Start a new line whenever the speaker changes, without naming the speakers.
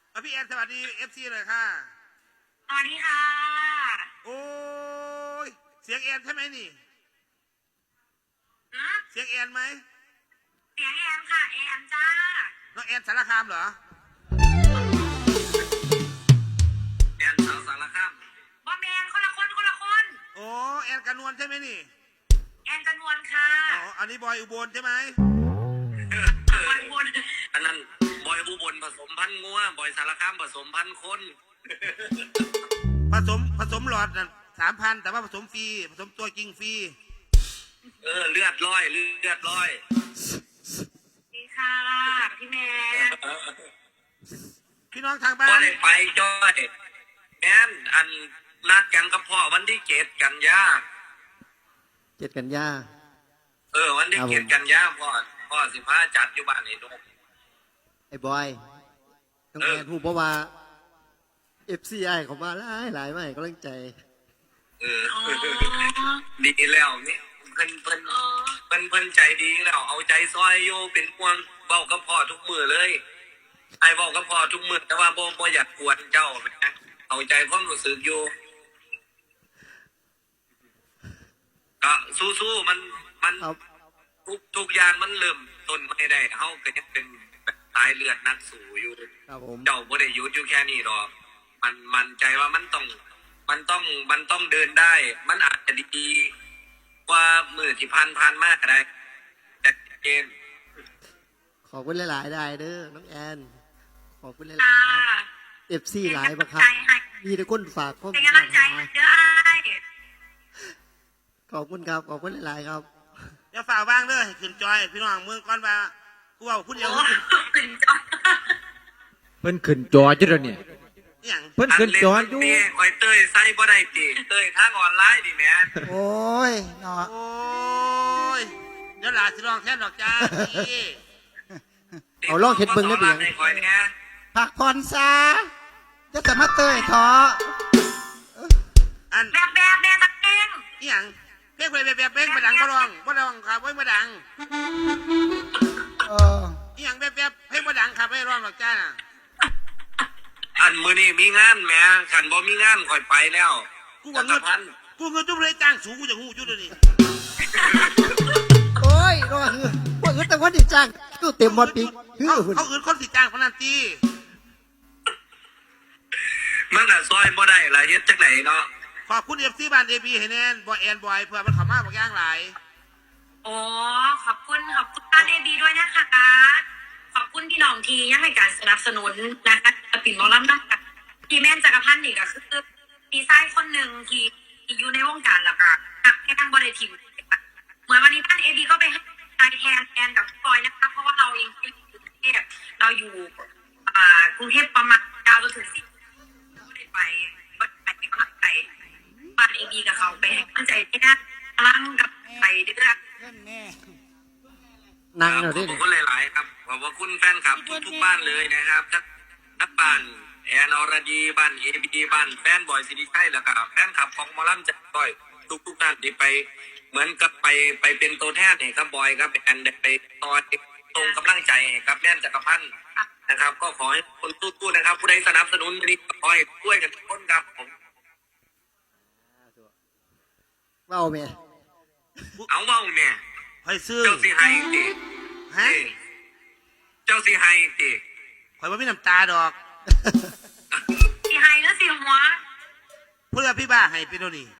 พี่แอนสวัสดีFCเลยค่ะ
สวัสดีค่ะ
โอ้ยเสียงแอนใช่ไหมนี่เสียงแอนไหม
เสียงแอมค่ะแอมจ้า
น้องแอนสารคามเหรอ
แอนสาวสารคาม
บอมแมนคนละคน
โอ้แอนกันนวลใช่ไหมนี่
แอนจันวนค่ะ
อ๋ออันนี้บอยอุบลใช่ไหม
บอยบน
อันนั้นบอยอุบลผสมพันธุ์งัวบอยสารคามผสมพันธุ์คน
ผสมหลอดนั่น3,000แต่ว่าผสมฟรีผสมตัวจริงฟรี
เลือดร้อย
ดีค่ะพี่แม่
พี่น้องทางบ้าน
ก็ได้ไปจ้อยแอนอันนัดกันกับพ่อวันที่7 กันยา
7 กันยา
วันที่7 กันยาพ่อ15จัดอยู่บ้านไอ้นก
ไอ้บอยต้องแอนพูดเพราะว่า FCI เขามาหลายไม่ก็เร่งใจ
ดีแล้วนี่เพิ่นใจดีแล้วเอาใจซอยโยเป็นห่วงเว้ากับพ่อทุกมื้อเลยไอ้เว้ากับพ่อทุกมื้อแต่ว่าบ่อยากกวนเจ้านะเอาใจความรู้สึกอยู่ก็สู้ๆมันทุกอย่างมันเริ่มต้นไม่ได้เฮาก็ยังเป็นสายเลือดนักสู้อยู่เจ้าบ่ได้หยุดอยู่แค่นี้หรอกมันใจว่ามันต้องเดินได้มันอาจจะดีกว่ามื้อที่ผ่านมาก็ได้แต่เกม
ขอบคุณหลายๆได้เด้อน้องแอนขอบคุณหลายๆFC หลายบ่ครับมีแต่คนฝากข้อมูล
เป็นกำลังใจเด้ออ้าย
ขอบคุณครับขอบคุณหลายๆครับ
อย่าฝ่าว่างเด้อให้ขึ้นจอยพี่น้องเมืองก่อนว่ากูว่าพูดเดียว
ขึ้นจอ
เพิ่นขึ้นจอจุดเนี่ยเพิ่นขึ้นจออยู่
คอยเต้ยใส่บ่ได้ติเต้ยทางออนไลน์ดิแม่
โอ้ยเนาะ
โอ้ยเดี๋ยวหลาสิร้องแค่ดอกจ้า
เอาลองเฮ็ดเบิ่งได้เบิ่ง
ผักผ่อนซาจะมาเตยท้อ
อัน
แบบตะเอง
อีหยังเพลงแบบมาดังบ่ร้องครับไว้มาดังอีหยังแบบเพลงมาดังครับไม่ร้องหรอกจ้า
อันมื้อนี้มีงานแหมคันบ่มีงานค่อยไปแล้ว
กูว่าเงินจุ๊บเลยจ้างสูงกูจะหูจุ๊บเลยนี่
โอ้ยรอว่าแต่ว่าดิจ้างก็เต็มหมดปี
เขาอื่นคนสิจ้างพนันตี
มันน่ะซอยบ่ได้ล่ะเฮ็ดจังได๋เนาะ
ขอบคุณ FC บ้าน AB ให้แน่นบ่แอนบ่อยเพื่อมันเข้ามาบ่ย่างหลาย
อ๋อขอบคุณบ้าน AB ด้วยนะคะขอบคุณพี่น้องทียังให้การสนับสนุนนะคะปิ่นมอลล์นะคะพี่แม่นจักรพันธ์นี่ก็คือพี่ชายคนหนึ่งที่อยู่ในวงการแล้วก็แค่ทางบริทีมเหมือนวันนี้บ้าน AB ก็ไปให้ใจแทนกับปอยนะคะเพราะว่าเราเองอยู่กรุงเทพเราอยู่กรุงเทพประมาณ9 จนถึง 10ไม่ได้ไปกำลังใจบ้าน AB กับเขาไปให้กำลังใจที่นั่นกำลังกับไปเดือด
นั่งเราดิ
ขอบคุณหลายๆครับขอบคุณแฟนคลับทุกบ้านเลยนะครับทั้งบ้านแอนอรดีบ้านABบ้านแฟนบอยซิริชัยแล้วก็แฟนคลับของหมอลำจัดต้อยทุกท่านที่ไปเหมือนกับไปเป็นตัวแทนให้กับบอยครับแอนไปตอนตรงกำลังใจให้กับแน่นจักรพันธ์นะครับก็ขอให้คนตู้นะครับผู้ใดสนับสนุนนี้ขอให้ช่วยกันทุกคนครับผม
เว้าแม่
เอาเว้าแม่
ให้ซื้อ
เจ้าสิให้ติ
ฮะ
เจ้าสิให้ติ
ข่อยบ่มีน้ำตาดอก
สิให้หรือสิหัว
เพื่อพี่บ้าให้ไปโน่นนี่